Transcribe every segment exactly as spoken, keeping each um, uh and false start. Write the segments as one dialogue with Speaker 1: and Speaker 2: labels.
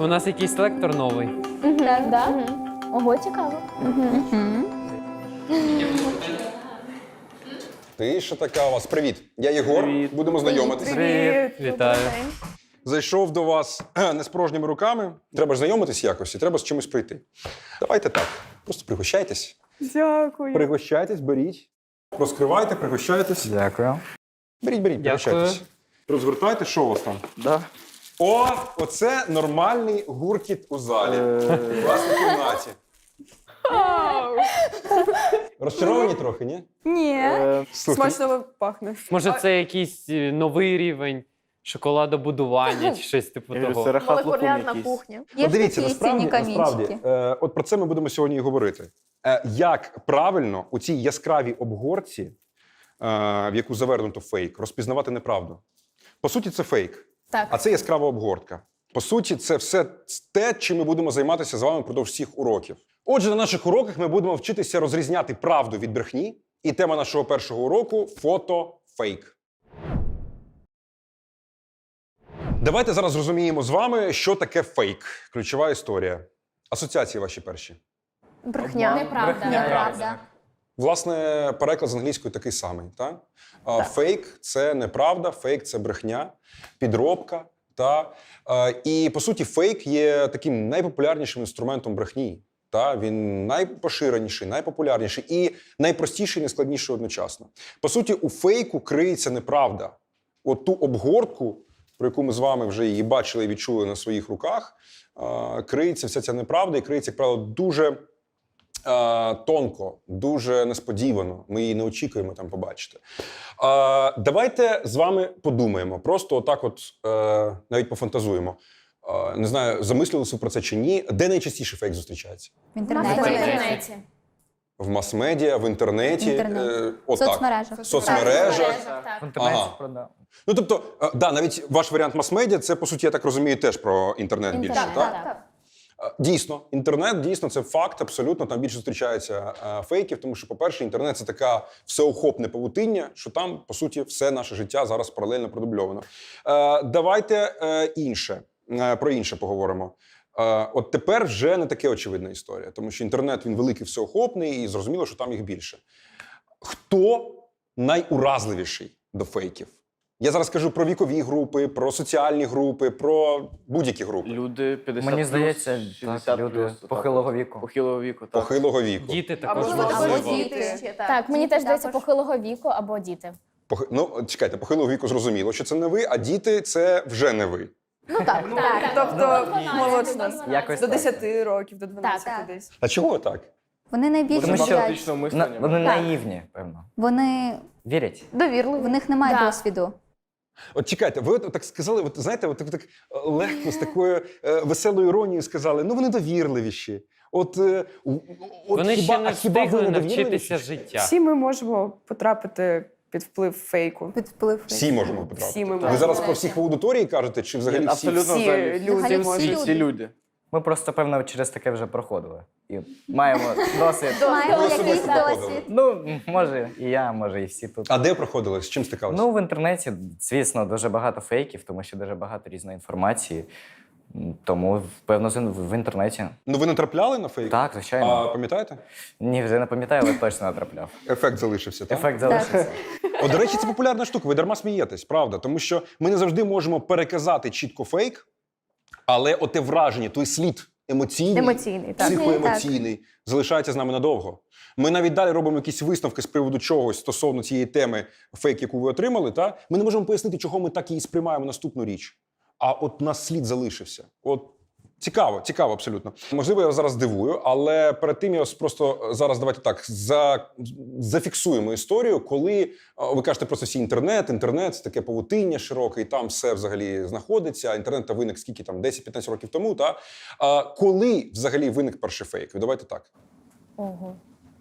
Speaker 1: У нас якийсь лектор новий.
Speaker 2: Так, да? Ого, цікаво.
Speaker 3: Ти що така у вас? Привіт. Я Єгор.
Speaker 1: Привіт.
Speaker 3: Будемо знайомитися.
Speaker 1: Привіт. Вітаю.
Speaker 3: Зайшов до вас не з порожніми руками. Треба ж знайомитись якось і треба з чимось прийти. Давайте так. Просто пригощайтесь.
Speaker 4: Дякую.
Speaker 3: Пригощайтесь, беріть. Розкривайте, пригощайтесь.
Speaker 5: Дякую.
Speaker 3: Беріть, беріть,
Speaker 1: Дякую.
Speaker 3: пригощайтесь. Розгортайте, що у вас там?
Speaker 5: Да.
Speaker 3: О, оце нормальний гуркіт у залі. У власній кімнаті. Розчаровані трохи, ні?
Speaker 4: Ні.
Speaker 3: Слухай,
Speaker 4: Смачно пахне.
Speaker 1: Може, це якийсь е, новий рівень шоколадобудування чи щось типу того.
Speaker 2: Молекулярна кухня.
Speaker 3: От дивіться, насправді, насправді е, от про це ми будемо сьогодні і говорити. Е, як правильно у цій яскравій обгорці, е, в яку завернуто фейк, розпізнавати неправду. По суті, це фейк,
Speaker 2: Так.
Speaker 3: а це яскрава обгортка. По суті, це все те, чим ми будемо займатися з вами впродовж всіх уроків. Отже, на наших уроках ми будемо вчитися розрізняти правду від брехні. І тема нашого першого уроку – фото-фейк. Давайте зараз зрозуміємо з вами, що таке фейк. Ключова історія. Асоціації ваші перші.
Speaker 2: Брехня.
Speaker 5: Неправда.
Speaker 2: Неправда.
Speaker 3: Власне, переклад з англійської такий самий. Так? А, фейк – це неправда, фейк – це брехня, підробка. Та? А, і, по суті, фейк є таким найпопулярнішим інструментом брехні. Та? Він найпоширеніший, найпопулярніший і найпростіший, і найскладніший одночасно. По суті, у фейку криється неправда. От ту обгортку, про яку ми з вами вже її бачили і відчули на своїх руках, а, криється вся ця неправда і криється, як правило, дуже а, тонко, дуже несподівано. Ми її не очікуємо там побачити. А, давайте з вами подумаємо, просто отак от е, навіть пофантазуємо. А, не знаю, замислилися про це чи ні. Де найчастіше фейк зустрічається?
Speaker 6: В інтернеті.
Speaker 2: В інтернеті.
Speaker 3: В мас-медіа, в інтернеті?
Speaker 6: Інтернет.
Speaker 3: Е,
Speaker 6: В
Speaker 3: отак.
Speaker 6: соцмережах.
Speaker 3: В соцмережах.
Speaker 2: Так.
Speaker 5: В інтернеті
Speaker 3: Ага.
Speaker 5: продав.
Speaker 3: Ну, тобто, е, да, навіть ваш варіант мас-медіа, це, по суті, я так розумію, теж про інтернет більше,
Speaker 2: Так,
Speaker 3: так?
Speaker 2: так, так.
Speaker 3: Е, Дійсно, інтернет, дійсно, це факт, абсолютно, там більше зустрічається е, фейків, тому що, по-перше, інтернет – це така всеохопне павутиння, що там, по суті, все наше життя зараз паралельно продубльовано. Е, давайте е, інше, е, про інше поговоримо. Е, от тепер вже не таке очевидна історія, тому що інтернет, він великий, всеохопний, і зрозуміло, що там їх більше. Хто найуразливіший до фейків? Я зараз кажу про вікові групи, про соціальні групи, про будь-які групи.
Speaker 7: Люди п'ятдесят
Speaker 5: Мені
Speaker 7: плюс,
Speaker 5: здається,
Speaker 7: шістдесят
Speaker 5: так, люди
Speaker 7: плюс, так.
Speaker 5: похилого віку.
Speaker 7: Похилого віку, так.
Speaker 3: Похилого віку.
Speaker 1: Діти також
Speaker 4: Або
Speaker 1: можливо.
Speaker 4: або діти. ще, так.
Speaker 2: Так, мені
Speaker 4: Діти
Speaker 2: теж здається
Speaker 4: також.
Speaker 2: похилого віку або діти.
Speaker 3: Похи- Ну, чекайте, похилого віку зрозуміло, що це не ви, а діти – це вже не ви.
Speaker 2: Ну так, так.
Speaker 4: Тобто молодше нас.
Speaker 5: Якось
Speaker 4: До
Speaker 5: так.
Speaker 4: десяти років, до дванадцяти
Speaker 6: Так.
Speaker 4: десь.
Speaker 3: А чого так?
Speaker 6: Вони найбільше
Speaker 5: Тому що-
Speaker 6: боять.
Speaker 7: Критичного
Speaker 5: На,
Speaker 7: мислення.
Speaker 5: вони
Speaker 6: Так.
Speaker 5: наївні, певно.
Speaker 6: Вони
Speaker 5: Вірять.
Speaker 2: Довірливі.
Speaker 6: в них немає
Speaker 2: Да.
Speaker 6: досвіду.
Speaker 3: От чекайте, ви от так сказали, от знаєте, от так, так е, легко, з такою е, веселою іронією сказали, ну вони довірливіші. От, е, у- от
Speaker 1: Вони
Speaker 3: хіба,
Speaker 1: ще не
Speaker 3: а хіба ви
Speaker 1: встигли
Speaker 3: не
Speaker 1: навчитися
Speaker 3: довірливіші?
Speaker 1: життя.
Speaker 4: Всі ми можемо потрапити під вплив фейку.
Speaker 6: Під вплив.
Speaker 3: Всі можемо потрапити.
Speaker 4: Всі ми
Speaker 3: Ви
Speaker 4: можемо.
Speaker 3: зараз про всіх в аудиторії кажете, чи взагалі всі?
Speaker 7: Абсолютно
Speaker 4: Всі
Speaker 7: взагалі.
Speaker 4: люди
Speaker 6: Взагалі
Speaker 4: можуть.
Speaker 6: всі
Speaker 7: Всі, всі люди.
Speaker 5: Ми просто, певно, через таке вже проходили. І маємо досвід.
Speaker 6: Маємо
Speaker 3: Ви
Speaker 6: якийсь
Speaker 3: особисто проходили?
Speaker 6: досвід.
Speaker 5: Ну, може, і я, може, і всі тут.
Speaker 3: А де проходили? З чим стикалися?
Speaker 5: Ну, в інтернеті, звісно, дуже багато фейків, тому що дуже багато різної інформації. М, Тому, певно, з- в інтернеті.
Speaker 3: Ну ви не трапляли на фейк?
Speaker 5: Так, звичайно.
Speaker 3: А пам'ятаєте?
Speaker 5: Ні, вже не пам'ятаю, але точно натрапляв.
Speaker 3: Ефект залишився, так?
Speaker 5: Ефект залишився.
Speaker 3: От, до речі, це популярна штука, ви дарма смієтесь, правда? Тому що ми не завжди можемо переказати чітко фейк, але оте враження, той слід емоційний,
Speaker 2: Емоційний, так.
Speaker 3: психоемоційний, залишається з нами надовго. Ми навіть далі робимо якісь висновки з приводу чогось стосовно цієї теми фейк, яку ви отримали, та? Ми не можемо пояснити, чого ми так її сприймаємо наступну річ. А от у нас слід залишився. От цікаво, цікаво абсолютно. Можливо, я вас зараз дивую, але перед тим я вас просто зараз давайте так за, зафіксуємо історію, коли а, ви кажете просто всі інтернет, інтернет, це таке павутиння широке, і там все взагалі знаходиться. Інтернет та виник скільки там десять-п'ятнадцять років тому. Та? А, коли взагалі виник перший фейк? Ви давайте так.
Speaker 2: Ого.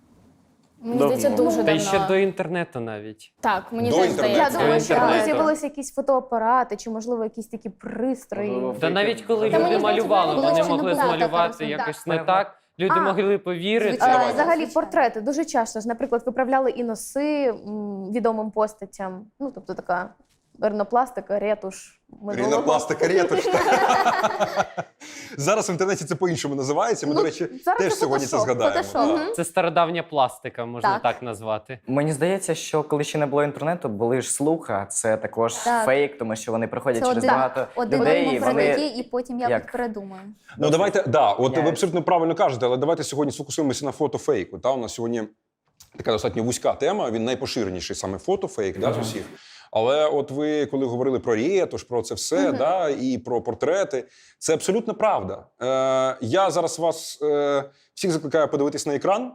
Speaker 2: Мені
Speaker 7: Давно.
Speaker 2: здається, дуже
Speaker 1: Та й ще
Speaker 2: давно.
Speaker 1: до інтернету навіть.
Speaker 2: Так, мені
Speaker 3: До
Speaker 2: теж
Speaker 3: інтернету.
Speaker 2: здається. Я думаю,
Speaker 1: До
Speaker 2: що коли
Speaker 1: інтернету.
Speaker 2: з'явилися якісь фотоапарати, чи, можливо, якісь такі пристрої.
Speaker 7: Можливо,
Speaker 1: Та навіть коли
Speaker 2: Та мені
Speaker 1: люди
Speaker 2: здається,
Speaker 1: малювали,
Speaker 2: було
Speaker 1: вони
Speaker 2: ще не
Speaker 1: могли
Speaker 2: було
Speaker 1: змалювати
Speaker 6: такого,
Speaker 1: якось
Speaker 6: так.
Speaker 1: не так. Люди
Speaker 2: А,
Speaker 1: могли повірити.
Speaker 6: звичайно.
Speaker 2: Е,
Speaker 3: Давайте.
Speaker 2: Взагалі,
Speaker 6: Звичайно.
Speaker 2: портрети дуже часто ж, наприклад, виправляли і носи м, відомим постатям. Ну, тобто така ринопластика, ретуш. минулого.
Speaker 3: Рінопластика, ретуш. Зараз в інтернеті це по-іншому називається. Ми,
Speaker 2: Ну,
Speaker 3: до речі,
Speaker 2: зараз
Speaker 3: теж
Speaker 2: це
Speaker 3: сьогодні це
Speaker 2: фотошоп,
Speaker 3: згадаємо.
Speaker 2: фотошоп.
Speaker 3: Так.
Speaker 1: Це стародавня пластика, можна
Speaker 2: Так.
Speaker 1: так, назвати.
Speaker 5: Мені здається, що коли ще не було інтернету, були ж слухи, а це також
Speaker 2: Так.
Speaker 5: фейк, тому що вони приходять
Speaker 6: Це
Speaker 5: через
Speaker 6: один,
Speaker 5: багато
Speaker 6: один
Speaker 5: людей, і
Speaker 6: йому
Speaker 5: вони
Speaker 6: прилетить, і потім якось
Speaker 5: як?
Speaker 6: передумаю.
Speaker 3: Ну давайте, да, от ви
Speaker 5: Міняється.
Speaker 3: абсолютно правильно кажете, але давайте сьогодні сфокусуємося на фотофейку. Та у нас сьогодні така достатньо вузька тема. Він найпоширеніший саме фотофейк, да, з усіх. Але от ви, коли говорили про ретуш, про це все,
Speaker 2: Мгм.
Speaker 3: да, і про портрети, це абсолютно правда. Е, я зараз вас е, всіх закликаю подивитись на екран,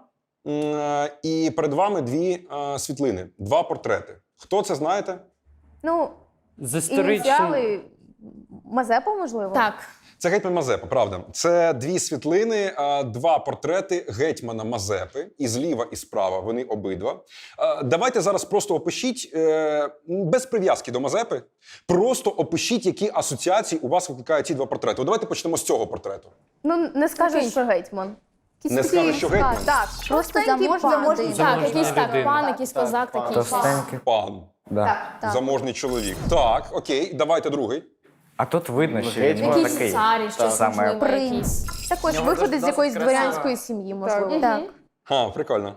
Speaker 3: е, і перед вами дві е, світлини, два портрети. Хто це знаєте?
Speaker 2: Ну,
Speaker 1: З історичним...
Speaker 2: ініціали Мазепа, можливо?
Speaker 6: Так.
Speaker 3: Це гетьман Мазепа, правда. Це дві світлини, а, два портрети гетьмана Мазепи. І зліва, і справа вони обидва. А, Давайте зараз просто опишіть, е, без прив'язки до Мазепи, просто опишіть, які асоціації у вас викликають ці два портрети. От давайте почнемо з цього портрету.
Speaker 2: Ну, не скажеш,
Speaker 6: Такий.
Speaker 2: що гетьман. Якийсь
Speaker 3: Не
Speaker 2: такий,
Speaker 3: скажеш, що гетьман?
Speaker 2: Так, так.
Speaker 6: Просто
Speaker 2: Простенький
Speaker 6: заможний
Speaker 2: пан.
Speaker 6: людина.
Speaker 2: Так,
Speaker 1: Заможна
Speaker 6: Так, якийсь так,
Speaker 1: людина.
Speaker 6: пан, якийсь козак такий.
Speaker 5: товстенькі.
Speaker 3: Пан.
Speaker 5: Да.
Speaker 2: Так.
Speaker 6: Так.
Speaker 3: Заможний чоловік. Так, окей, давайте другий.
Speaker 5: А тут видно, що він
Speaker 7: Гетьман.
Speaker 5: був
Speaker 6: Якийсь
Speaker 5: такий.
Speaker 6: цар, щось
Speaker 5: Саме
Speaker 6: можливо,
Speaker 2: Принц.
Speaker 6: якийсь.
Speaker 2: Також
Speaker 5: нього
Speaker 2: виходить з
Speaker 5: досить
Speaker 2: якоїсь
Speaker 5: красиво.
Speaker 2: дворянської сім'ї, можливо.
Speaker 4: Так.
Speaker 2: Так.
Speaker 3: А, прикольно.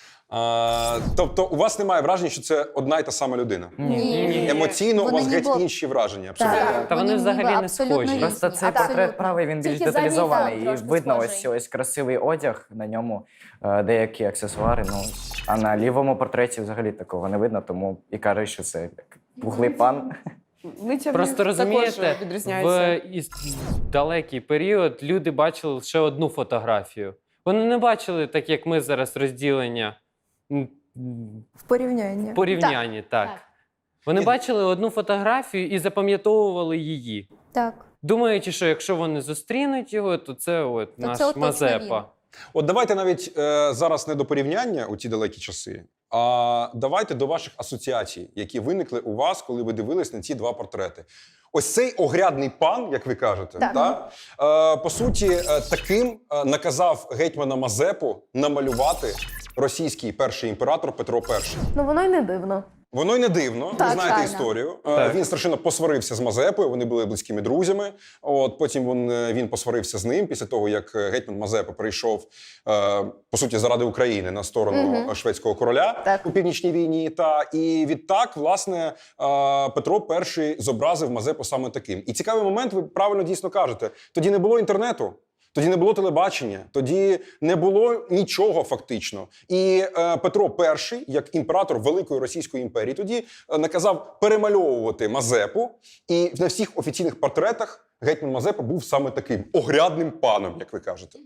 Speaker 3: А, тобто у вас немає враження, що це одна й та сама людина?
Speaker 6: Ні.
Speaker 3: Емоційно у
Speaker 6: Вони
Speaker 3: вас геть
Speaker 6: ніби-
Speaker 3: інші враження. Абсолютно.
Speaker 6: Так.
Speaker 1: Та вони взагалі
Speaker 6: ніби
Speaker 1: не
Speaker 6: абсолютно
Speaker 1: схожі.
Speaker 6: різні.
Speaker 5: Просто цей
Speaker 6: Абсолютно.
Speaker 5: портрет правий, він більш
Speaker 6: Тільки задній
Speaker 5: деталізований.
Speaker 6: так,
Speaker 5: І
Speaker 6: трошки
Speaker 5: видно
Speaker 6: схожий.
Speaker 5: ось ось красивий одяг на ньому, е, деякі аксесуари. Ну, а на лівому портреті взагалі такого не видно, тому і кажуть, що це як пухлий пан.
Speaker 4: Лиця в
Speaker 1: Просто
Speaker 4: них
Speaker 1: розумієте,
Speaker 4: також відрізняються.
Speaker 1: в із- далекий період люди бачили лише одну фотографію. Вони не бачили, так як ми зараз, розділення м, м,
Speaker 4: В порівнянні.
Speaker 1: в порівнянні. Так.
Speaker 6: Так.
Speaker 1: Вони бачили одну фотографію і запам'ятовували її,
Speaker 6: Так.
Speaker 1: думаючи, що якщо вони зустрінуть його, то це от
Speaker 6: То
Speaker 1: наш
Speaker 6: це от точно
Speaker 1: Мазепа.
Speaker 6: він.
Speaker 3: От давайте навіть е, зараз не до порівняння у ті далекі часи, а давайте до ваших асоціацій, які виникли у вас, коли ви дивились на ці два портрети. Ось цей огрядний пан, як ви кажете,
Speaker 2: Так.
Speaker 3: та, е, по суті, е, таким е, наказав гетьмана Мазепу намалювати російський перший імператор Петро І.
Speaker 2: Ну, воно й не дивно.
Speaker 3: Воно й не дивно, ви
Speaker 2: Так,
Speaker 3: знаєте
Speaker 6: правильно.
Speaker 3: історію. Е,
Speaker 1: Так.
Speaker 3: Він страшенно посварився з Мазепою, вони були близькими друзями. От потім він, е, він посварився з ним після того, як е, гетьман Мазепа прийшов е, по суті заради України на сторону
Speaker 2: Мгм.
Speaker 3: е, шведського короля
Speaker 2: Так.
Speaker 3: у північній війні. Та і відтак, власне, е, Петро І зобразив Мазепу саме таким. І цікавий момент, ви правильно дійсно кажете. Тоді не було інтернету. Тоді не було телебачення, тоді не було нічого фактично. І е, Петро І, як імператор Великої Російської імперії, тоді е, наказав перемальовувати Мазепу. І на всіх офіційних портретах гетьман Мазепа був саме таким огрядним паном, як ви кажете.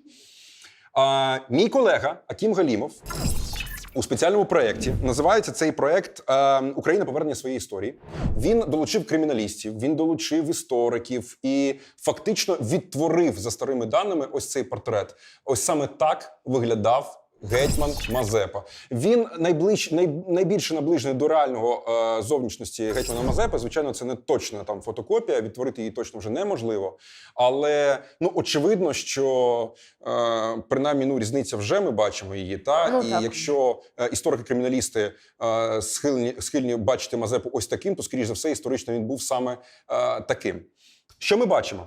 Speaker 3: А, мій колега Акім Галімов у спеціальному проєкті, називається цей проєкт е, «Україна. Повернення своєї історії». Він долучив криміналістів, він долучив істориків і фактично відтворив за старими даними ось цей портрет. Ось саме так виглядав гетьман Мазепа. Він найближ, най, найбільше наближений до реального е, зовнішності гетьмана Мазепи. Звичайно, це не точна там фотокопія, відтворити її точно вже неможливо. Але ну очевидно, що е, принаймні ну, різниця вже ми бачимо її. Та?
Speaker 2: Ну,
Speaker 3: і
Speaker 2: так.
Speaker 3: якщо е, історики-криміналісти е, схильні, схильні бачити Мазепу ось таким, то, скоріш за все, історично він був саме е, таким. Що ми бачимо?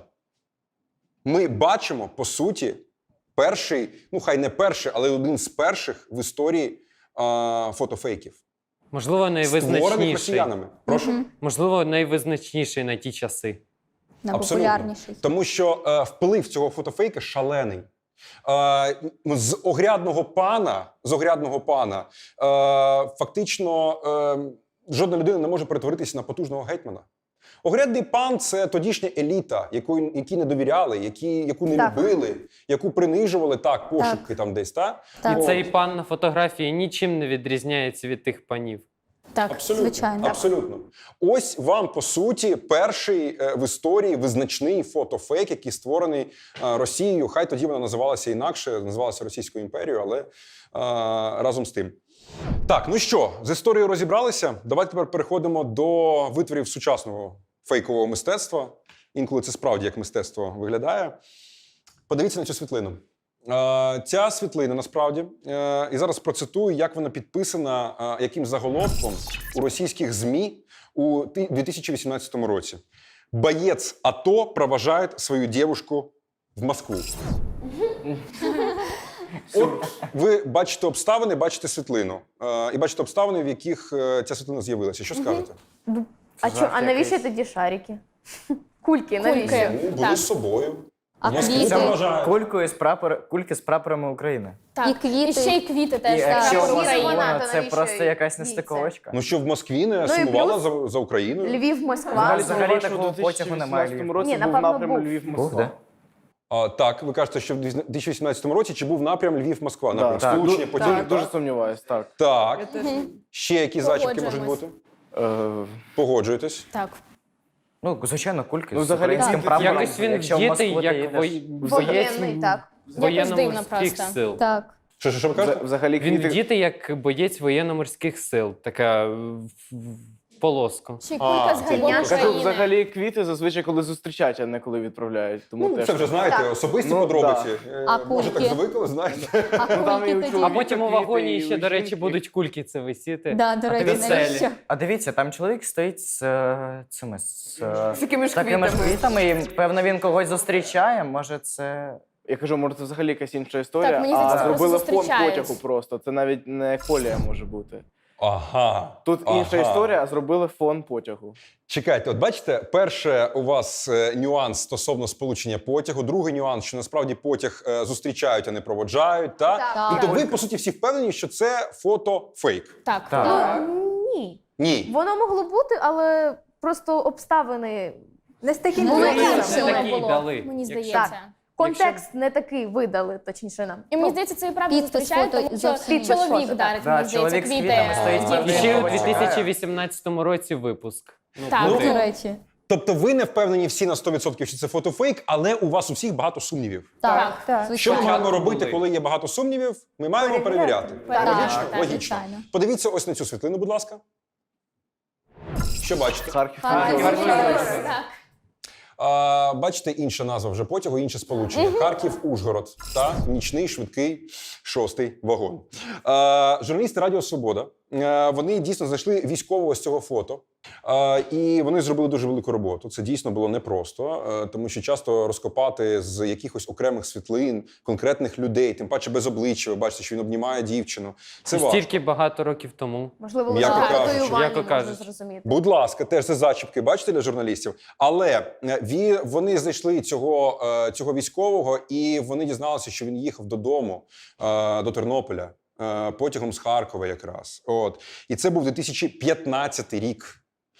Speaker 3: Ми бачимо, по суті, перший, ну хай не перший, але один з перших в історії а, фотофейків.
Speaker 1: Можливо,
Speaker 3: Створених
Speaker 1: найвизначніший.
Speaker 3: росіянами. Прошу.
Speaker 6: Мгм.
Speaker 1: Можливо, найвизначніший на ті часи.
Speaker 6: Найпопулярніший.
Speaker 3: Тому що е, вплив цього фотофейка шалений. Е, з огрядного пана, з огрядного пана, е, фактично е, жодна людина не може перетворитися на потужного гетьмана. Огрядний пан – це тодішня еліта, яку, які не довіряли, які, яку не
Speaker 2: Так.
Speaker 3: любили, яку принижували, так, пошепки там десь, так?
Speaker 6: Так.
Speaker 1: І
Speaker 3: От.
Speaker 1: цей пан на фотографії нічим не відрізняється від тих панів.
Speaker 6: Так,
Speaker 3: Абсолютно,
Speaker 6: звичайно.
Speaker 3: абсолютно. Ось вам, по суті, перший е, в історії визначний фотофейк, який створений е, Росією. Хай тоді вона називалася інакше, називалася Російською імперією, але е, разом з тим. Так, ну що, з історією розібралися? Давайте тепер переходимо до витворів сучасного фейкового мистецтва. Інколи це справді як мистецтво виглядає. Подивіться на цю світлину. Е, Ця світлина насправді, е, і зараз процитую, як вона підписана, е, яким заголовком у російських ЗМІ у ти- дві тисячі вісімнадцятому році. «Боец АТО провожает свою девушку в Москву». От ви бачите обставини, бачите світлину. Е, і бачите обставини, в яких е, ця світлина з'явилася. Що скажете?
Speaker 2: А, чо, а навіщо
Speaker 5: якийсь.
Speaker 2: тоді шарики? Кульки, навіщо?
Speaker 6: Кульки.
Speaker 3: Ну, були
Speaker 6: Так.
Speaker 3: з собою.
Speaker 6: А
Speaker 3: В Москву
Speaker 6: квіти?
Speaker 3: проважають.
Speaker 5: Кулькою з прапор... Кульки з прапорами України.
Speaker 6: Так. І квіти.
Speaker 2: І ще й
Speaker 6: квіти
Speaker 5: І
Speaker 6: теж.
Speaker 5: якщо
Speaker 2: так.
Speaker 5: у вас
Speaker 2: Вона,
Speaker 5: вона,
Speaker 2: то
Speaker 5: це
Speaker 2: навіщо
Speaker 5: просто якась
Speaker 2: їй це?
Speaker 5: нестиковочка.
Speaker 3: Ну що, в Москві не
Speaker 2: Ну і
Speaker 3: сумувала
Speaker 2: плюс-
Speaker 3: за, за Україною?
Speaker 2: Львів, Москва.
Speaker 5: Взагалі,
Speaker 7: Взагалі
Speaker 5: взагалі
Speaker 7: такого
Speaker 5: такого потягу немає.
Speaker 7: році
Speaker 2: Ні,
Speaker 7: був
Speaker 2: напевно,
Speaker 7: напрям
Speaker 2: був.
Speaker 7: Львів-Москва.
Speaker 5: Був, де?
Speaker 3: А, так, ви кажете, що в дві тисячі вісімнадцятому році чи був напрям Львів-Москва? Напрям
Speaker 7: Так,
Speaker 3: сполучення
Speaker 7: ду-
Speaker 3: потягів?
Speaker 7: так, дуже сумніваюсь, так.
Speaker 3: Так. Ще які зачіпки можуть
Speaker 6: Погоджуємось.
Speaker 3: бути?
Speaker 7: Е,
Speaker 3: Погоджуєтесь?
Speaker 6: Так.
Speaker 5: Ну, звичайно, кульки
Speaker 7: Ну,
Speaker 5: з
Speaker 7: взагалі,
Speaker 5: українським
Speaker 7: так.
Speaker 5: прапором.
Speaker 1: Якось він
Speaker 5: Якщо в
Speaker 1: вдітий,
Speaker 5: Москву ти
Speaker 1: як
Speaker 5: їдеш.
Speaker 1: вой...
Speaker 2: Воєнний, так.
Speaker 1: воєнно-морських
Speaker 6: просто.
Speaker 1: сил.
Speaker 6: Так.
Speaker 3: Що, що, що ви кажете?
Speaker 7: Взагалі,
Speaker 1: Він
Speaker 7: квіти...
Speaker 1: вдітий як боєць воєнно-морських сил. Така в- в- полоска.
Speaker 6: Ще й кулька з
Speaker 3: це
Speaker 6: гербом
Speaker 3: Кажу,
Speaker 7: Кажу,
Speaker 6: України.
Speaker 7: взагалі квіти зазвичай коли зустрічають, а не коли відправляють. Тому
Speaker 3: Ну,
Speaker 7: теж...
Speaker 3: це вже, знаєте,
Speaker 2: Так.
Speaker 3: особисті
Speaker 7: Ну,
Speaker 3: подробиці. Е,
Speaker 6: А
Speaker 3: Може, так
Speaker 6: кульки?
Speaker 3: звикли, знаєте?
Speaker 6: А
Speaker 7: там і
Speaker 6: кульки
Speaker 7: у
Speaker 6: тоді.
Speaker 1: А
Speaker 7: чоловіка
Speaker 1: потім у
Speaker 7: квіти,
Speaker 1: вагоні
Speaker 7: і
Speaker 1: ще,
Speaker 7: у
Speaker 1: до речі,
Speaker 7: жінки.
Speaker 1: будуть кульки це висіти.
Speaker 6: Да, до
Speaker 1: А
Speaker 6: речі,
Speaker 1: ти веселі.
Speaker 6: навіщо?
Speaker 5: А дивіться, там чоловік стоїть з е, цими з, е,
Speaker 4: З такими ж
Speaker 5: такими ж
Speaker 4: квітами.
Speaker 5: квітами, і певно він когось зустрічає. Може, це
Speaker 7: Я кажу, може, це взагалі якась інша історія,
Speaker 6: Так, мені
Speaker 7: а
Speaker 6: здається,
Speaker 7: зробили
Speaker 6: просто
Speaker 7: фон
Speaker 6: зустрічають.
Speaker 7: потягу просто. Це навіть не колія може бути.
Speaker 3: Ага.
Speaker 7: Тут інша
Speaker 3: ага.
Speaker 7: історія, а зробили фон потягу.
Speaker 3: Чекайте, от бачите, перше у вас е, нюанс стосовно сполучення потягу, другий нюанс, що насправді потяг е, зустрічають, а не проводжають. Та?
Speaker 2: Так.
Speaker 3: Тобто
Speaker 6: Так.
Speaker 3: ви, по суті, всі впевнені, що це фото фейк?
Speaker 6: Так.
Speaker 5: Так.
Speaker 2: Ну, ні.
Speaker 3: Ні.
Speaker 2: Воно могло бути, але просто обставини не з таким
Speaker 6: Було
Speaker 1: Вони
Speaker 2: виразом.
Speaker 1: не
Speaker 6: іншими
Speaker 1: такі
Speaker 6: було,
Speaker 1: дали.
Speaker 6: мені
Speaker 1: Якщо-
Speaker 6: здається.
Speaker 2: Контекст не такий видали, точніше нам.
Speaker 6: І мені здається, це і правда
Speaker 2: підпис
Speaker 6: зустрічають,
Speaker 2: фото
Speaker 6: тому що
Speaker 2: зовсім інший.
Speaker 6: чоловік
Speaker 2: Фото,
Speaker 6: дарить,
Speaker 5: Да,
Speaker 6: мені здається,
Speaker 5: чоловік з
Speaker 6: квіти.
Speaker 5: квітами стоїть
Speaker 6: е,
Speaker 5: за
Speaker 1: І
Speaker 5: Він
Speaker 1: ще у
Speaker 5: його
Speaker 1: дві тисячі
Speaker 5: чекає.
Speaker 1: вісімнадцятому році випуск. Ну,
Speaker 6: Так,
Speaker 1: буде.
Speaker 6: до речі.
Speaker 3: Тобто ви не впевнені всі на сто відсотків, що це фото фейк, але у вас у всіх багато сумнівів.
Speaker 6: Так,
Speaker 2: так.
Speaker 3: Що ми
Speaker 6: звичайно.
Speaker 3: маємо робити,
Speaker 1: були.
Speaker 3: коли є багато сумнівів? Ми маємо
Speaker 2: Перевіряти.
Speaker 3: перевіряти.
Speaker 6: Так,
Speaker 3: Логічно?
Speaker 6: так,
Speaker 3: Логічно.
Speaker 6: звичайно.
Speaker 3: Подивіться ось на цю світлину, будь ласка. Що бачите?
Speaker 7: Харків.
Speaker 6: Харків.
Speaker 7: Харків.
Speaker 6: Так.
Speaker 3: А, бачите, інша назва вже потягу, інше сполучення. Харків-Ужгород та нічний швидкий шостий вагон. А, журналісти Радіо Свобода, а, вони дійсно знайшли військового з цього фото. А, і вони зробили дуже велику роботу. Це дійсно було непросто, а, тому що часто розкопати з якихось окремих світлин конкретних людей, тим паче без обличчя, ви бачите, що він обнімає дівчину. Це важко.
Speaker 1: Стільки багато років тому.
Speaker 2: Можливо,
Speaker 3: М'яко
Speaker 2: лише
Speaker 3: кажучи.
Speaker 2: татуювання
Speaker 1: М'яко
Speaker 2: можна
Speaker 1: кажучи.
Speaker 2: зрозуміти.
Speaker 3: Будь ласка, теж це зачіпки, бачите, для журналістів. Але е, ві- вони знайшли цього, е, цього військового, і вони дізналися, що він їхав додому, е, до Тернополя, е, потягом з Харкова якраз. От. І це був дві тисячі п'ятнадцятий рік.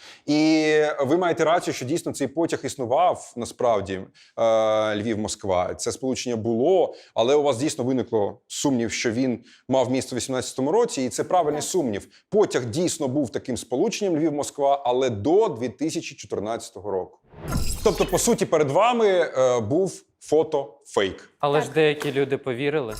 Speaker 3: І ви маєте рацію, що дійсно цей потяг існував, насправді, е, Львів-Москва. Це сполучення було, але у вас дійсно виникло сумнів, що він мав місце у вісімнадцятому році, і це правильний сумнів. Потяг дійсно був таким сполученням Львів-Москва, але до дві тисячі чотирнадцятого року. Тобто, по суті, перед вами е, був фото-фейк.
Speaker 1: Але ж деякі люди повірили.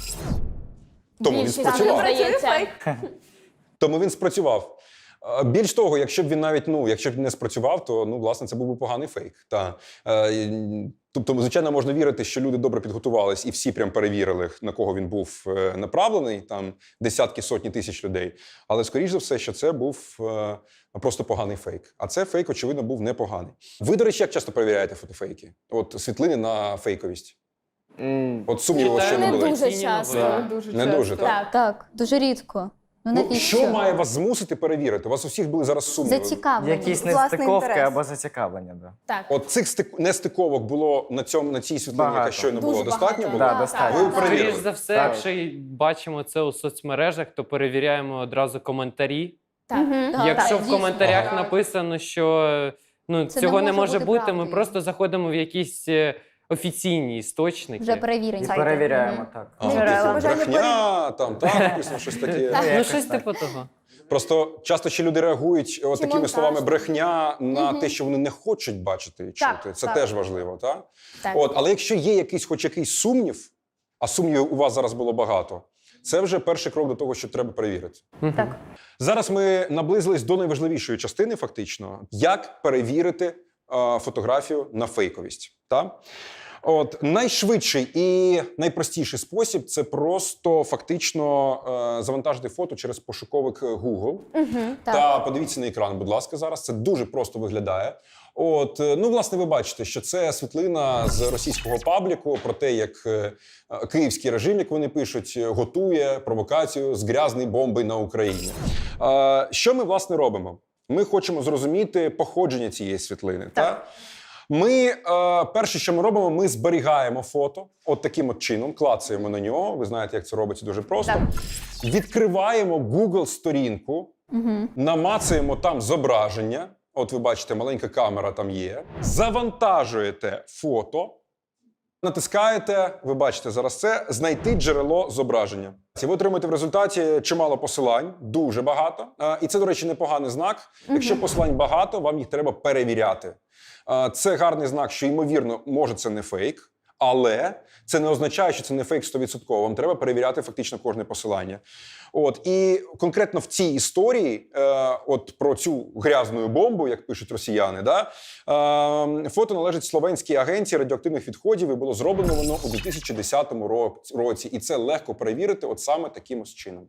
Speaker 3: Тому він
Speaker 6: Більшість,
Speaker 3: спрацював.
Speaker 6: мені здається.
Speaker 3: Тому він спрацював. Е, Більш того, якщо б він навіть ну, якщо б не спрацював, то ну, власне, це був би поганий фейк. Та. Е, і- Тобто, звичайно, можна вірити, що люди добре підготувались і всі прям перевірили, на кого він був е, направлений, там десятки, сотні тисяч людей. Але, скоріш за все, що це був е, просто поганий фейк. А це фейк, очевидно, був непоганий. Ви, до речі, як часто перевіряєте фотофейки? От світлини на фейковість.
Speaker 7: М,
Speaker 3: От сумніву, що не
Speaker 6: Не
Speaker 3: були.
Speaker 6: дуже
Speaker 1: Офіційні
Speaker 6: часто.
Speaker 1: новини.
Speaker 4: Дуже
Speaker 3: Не
Speaker 4: часто.
Speaker 3: дуже, так?
Speaker 6: Так.
Speaker 8: Так, дуже рідко. Ну
Speaker 3: Ну,
Speaker 8: навіщо?
Speaker 3: що має вас змусити перевірити? У вас у всіх були зараз сумніви.
Speaker 8: Зацікавлення.
Speaker 5: якісь
Speaker 2: Власний
Speaker 5: нестиковки
Speaker 2: інтерес.
Speaker 5: або зацікавлення. Да.
Speaker 6: Так.
Speaker 3: От цих стик... нестиковок було на цьому на цій світлині, яка
Speaker 5: Багато.
Speaker 3: щойно
Speaker 6: Дуже
Speaker 3: було, достатньо
Speaker 6: багато.
Speaker 3: було?
Speaker 5: Да,
Speaker 6: Так,
Speaker 5: достатньо.
Speaker 3: Ви
Speaker 6: так.
Speaker 3: перевірили?
Speaker 1: Скоріш за все,
Speaker 5: Так.
Speaker 1: якщо й бачимо це у соцмережах, то перевіряємо одразу коментарі.
Speaker 6: Так.
Speaker 8: Так,
Speaker 1: Якщо
Speaker 8: так,
Speaker 1: в
Speaker 8: дійсно.
Speaker 1: коментарях
Speaker 3: Ага.
Speaker 1: написано, що ну,
Speaker 8: Це
Speaker 1: цього
Speaker 8: не
Speaker 1: не
Speaker 8: може
Speaker 1: може
Speaker 8: бути
Speaker 1: бути, ми
Speaker 8: правдою.
Speaker 1: просто заходимо в якісь е, офіційні істочники.
Speaker 8: Вже перевірені.
Speaker 5: І перевіряємо так.
Speaker 3: А,
Speaker 2: Джерела.
Speaker 3: типу, брехня, там, так, написано щось таке.
Speaker 5: Ну,
Speaker 1: Ну,
Speaker 5: якось
Speaker 1: щось
Speaker 5: так.
Speaker 1: типу того.
Speaker 3: Просто часто ще люди реагують от
Speaker 6: Чи
Speaker 3: такими
Speaker 6: монтаж.
Speaker 3: словами брехня на те, що вони не хочуть бачити і
Speaker 2: Так,
Speaker 3: чути. Це
Speaker 2: так.
Speaker 3: теж важливо, так?
Speaker 6: Так.
Speaker 3: От, але якщо є якийсь, хоч якийсь сумнів, а сумнівів у вас зараз було багато, це вже перший крок до того, що треба перевірити.
Speaker 2: Так.
Speaker 3: Зараз ми наблизились до найважливішої частини, фактично, як перевірити е, фотографію на фейковість. Та? От найшвидший і найпростіший спосіб це просто фактично е, завантажити фото через пошуковик Google.
Speaker 6: Так.
Speaker 3: Та подивіться на екран, будь ласка, зараз. Це дуже просто виглядає. От, е, ну, власне, ви бачите, що це світлина з російського пабліку про те, як е, київський режим, як вони пишуть, готує провокацію з грязною бомбою на Україні. Е, що ми, власне, робимо? Ми хочемо зрозуміти походження цієї світлини. Та? Ми, е, перше, що ми робимо, ми зберігаємо фото от таким от чином, клацаємо на нього. Ви знаєте, як це робиться дуже просто.
Speaker 2: Так.
Speaker 3: Відкриваємо Google-сторінку, намацуємо там зображення. От ви бачите, маленька камера там є. Завантажуєте фото, натискаєте, ви бачите зараз це, знайти джерело зображення. І ви отримаєте в результаті чимало посилань, дуже багато. А, І це, до речі, непоганий знак. Якщо посилань багато, вам їх треба перевіряти. А, Це гарний знак, що, ймовірно, може це не фейк, але це не означає, що це не фейк сто відсотків. Вам треба перевіряти фактично кожне посилання. От, і конкретно в цій історії, е, от про цю грязну бомбу, як пишуть росіяни, да, е, фото належить словенській агенції радіоактивних відходів і було зроблено воно у дві тисячі десятому ро- році. І це легко перевірити от саме таким ось чином.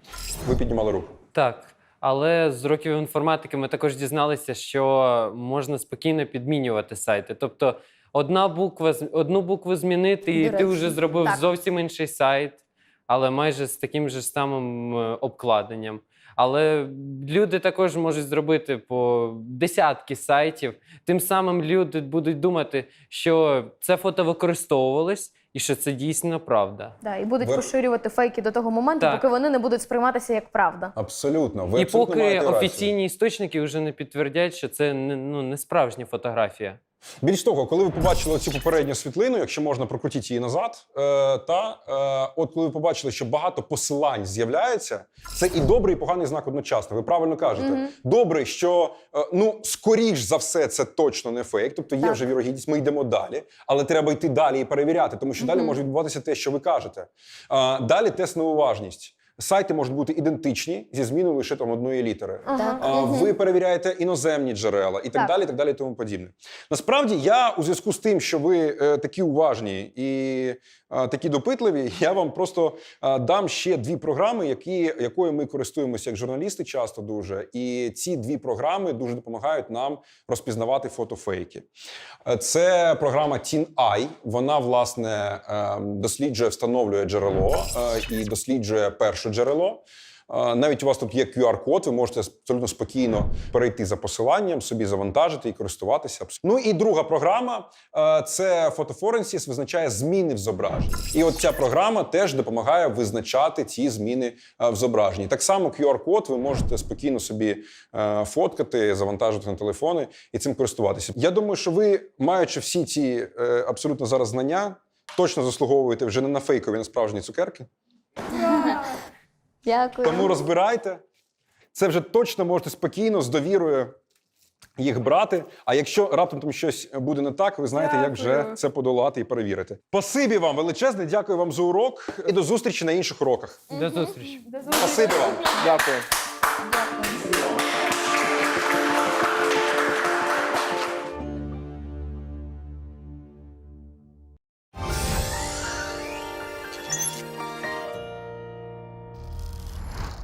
Speaker 3: Ви піднімали руку.
Speaker 1: Так. Але з років інформатики ми також дізналися, що можна спокійно підмінювати сайти. Тобто одна буква, з- одну букву змінити, і
Speaker 2: До
Speaker 1: ти
Speaker 2: речі,
Speaker 1: вже зробив
Speaker 2: так.
Speaker 1: зовсім інший сайт, але майже з таким же самим е, обкладенням. Але люди також можуть зробити по десятки сайтів. Тим самим люди будуть думати, що це фото використовувалось і що це дійсно правда.
Speaker 2: Да, і будуть
Speaker 3: Ви-
Speaker 2: поширювати фейки до того моменту,
Speaker 1: Так.
Speaker 2: поки вони не будуть сприйматися як правда.
Speaker 3: Абсолютно. Ви
Speaker 1: і
Speaker 3: абсолютно
Speaker 1: поки
Speaker 3: маєте рацію.
Speaker 1: офіційні істочники вже не підтвердять, що це не, ну, не справжня фотографія.
Speaker 3: Більш того, коли ви побачили цю попередню світлину, якщо можна прокрутіть її назад, е, та е, от коли ви побачили, що багато посилань з'являється, це і добрий, і поганий знак одночасно. Ви правильно кажете. Добре, що е, ну скоріш за все це точно не фейк, тобто є
Speaker 2: Так.
Speaker 3: вже вірогідність, ми йдемо далі, але треба йти далі і перевіряти, тому що далі може відбуватися те, що ви кажете. Е, далі тест на уважність. Сайти можуть бути ідентичні зі зміною лише там одної літери.
Speaker 2: Ага.
Speaker 3: А, Ви перевіряєте іноземні джерела і так,
Speaker 2: Так.
Speaker 3: далі, і так далі, і тому подібне. Насправді, я у зв'язку з тим, що ви е, такі уважні і е, такі допитливі, я вам просто е, дам ще дві програми, які, якою ми користуємося як журналісти часто дуже. І ці дві програми дуже допомагають нам розпізнавати фотофейки. Е, Це програма TinEye. Вона, власне, е, досліджує, встановлює джерело е, і досліджує перше джерело. Е, Навіть у вас тут є кю ар-код, ви можете абсолютно спокійно перейти за посиланням, собі завантажити і користуватися. Ну і друга програма е, – це Photoforensics, визначає зміни в зображенні. І от ця програма теж допомагає визначати ці зміни е, в зображенні. Так само кю ар-код ви можете спокійно собі е, фоткати, завантажити на телефони і цим користуватися. Я думаю, що ви, маючи всі ці е, абсолютно зараз знання, точно заслуговуєте вже не на фейкові, на справжні цукерки.
Speaker 6: Дякую.
Speaker 3: Тому розбирайте. Це вже точно можете спокійно, з довірою їх брати. А якщо раптом там щось буде не так, ви знаєте, як вже
Speaker 4: Дякую.
Speaker 3: це подолати і перевірити. Спасибі вам величезне, дякую вам за урок і до зустрічі на інших уроках.
Speaker 1: До зустрічі.
Speaker 3: Спасибі вам.
Speaker 7: Дякую.
Speaker 6: Дякую.